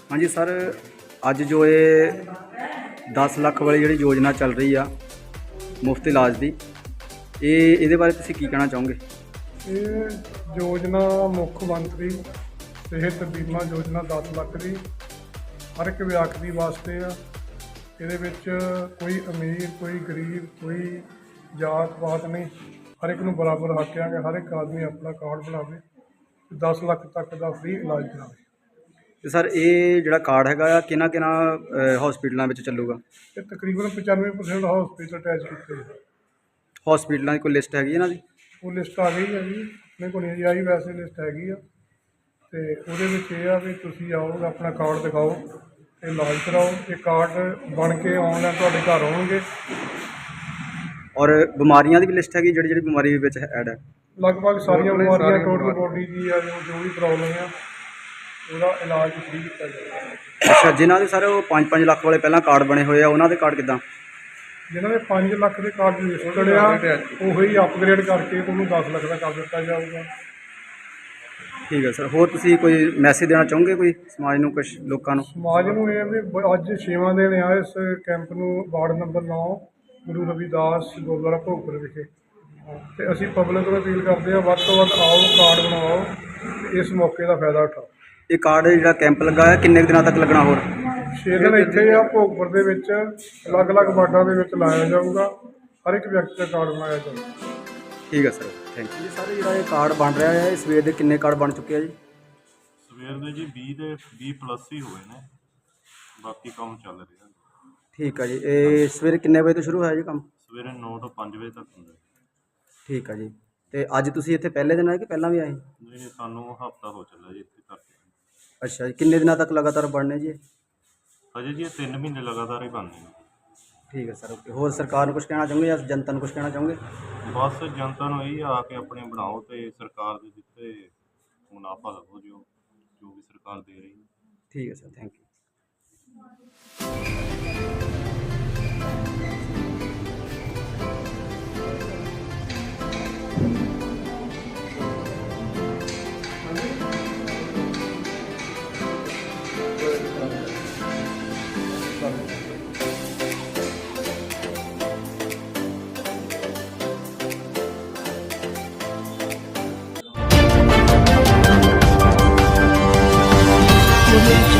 हाँ जी सर, अज जो ये 10 लाख वाली जी योजना चल रही आ मुफ्त इलाज की, ये बारे तुसीं की कहना चाहोगे? ये योजना मुख्य मंत्री सेहत बीमा योजना 10 लाख की हर एक विद्यार्थी वास्ते आ। ये कोई अमीर कोई गरीब कोई जात पात नहीं, हर एक नूं बराबर हक है कि हर एक आदमी अपना कार्ड बनावे, 10 लाख तक का फ्री इलाज करावे। तो सर ये जो कार्ड है किन्ना हॉस्पिटलों में चलूगा? ये तकरीबन 95% हॉस्पिटल अटैच किए। हॉस्पिटलों की कोई लिस्ट हैगी इन्हां दी? वो लिस्ट आ गई है जी, अपने को नहीं आई, वैसे लिस्ट हैगी आ। तो वो भी तुसी आओ अपना कार्ड दिखाओ तो इलाज कराओ। ये कार्ड बन के ऑनलाइन तुहाडे घर आउणगे। और बीमारियां की भी लिस्ट हैगी जी बीमारी ऐड है? लगभग सारिया बीमारियां टोटल बॉडी की जो भी प्रॉब्लम है उसका इलाज फ्री किया जाएगा। अच्छा, जिन्होंने सर वो 5-5 लाख वाले पहला कार्ड बने हुए उन्होंने कार्ड किदा? जिन्होंने 5 लाख के कार्ड रजिस्टर्ड आ वही अपग्रेड करके उन्होंने 10 लाख का कर दिता जाऊगा। ठीक है सर, होर तुसीं कोई मैसेज देना चाहोगे कोई समाज नूं, कुछ लोगों नूं? समाज में ये भी अज 6वां दिन आ इस कैंप में, वार्ड नंबर 9 गुरु रविदास गुरुद्वारा भोगपुर विखे। तो असी पब्लिक को अपील करते हैं वध तो वध आओ, कार्ड बनवाओ ते इस मौके का फायदा उठाओ। ये कार्ड जो कैंप लगा है किन्ने दिनों तक लगना? होर 6 दिन इत्थे आ भोगपुर दे विच अलग अलग वार्डां दे विच लाया जाऊगा, हर एक व्यक्ति का कार्ड बनाया जाएगा। ठीक है सर, थैंक यू। सर जो ये कार्ड बन रहा है सवेर के किन्ने कार्ड बन चुके हैं जी? सवेर ਦੇ जी 20+ ही हुए ने, बाकी काम चल रहा। ठीक है जी, ये सवेरे किन्ने बजे तो शुरू होया जी काम? सवेरे 9 ਤੋਂ 5 ਵਜੇ तक ਹੁੰਦਾ। ठीक है जी, तो अज तुसीं इत्थे पहले दिन आए कि पहला भी आए? नहीं, सानू हफ्ता हो चला जी इत्थे करके। अच्छा जी, किन्ने दिनों तक लगातार बनने जी? अजे जी 3 महीने लगातार ही बनने। ठीक है सर, ओके। होर सरकार नूं कुछ कहना चाहोगे या जनता नूं कुछ कहना चाहोगे? बस जनता ਨੂੰ यही आके अपने बनाओ तो सरकार ਦੇ ਦਿੱਤੇ मुनाफा लभो जो भी सरकार दे रही है। ठीक है सर, थैंक यू। Audio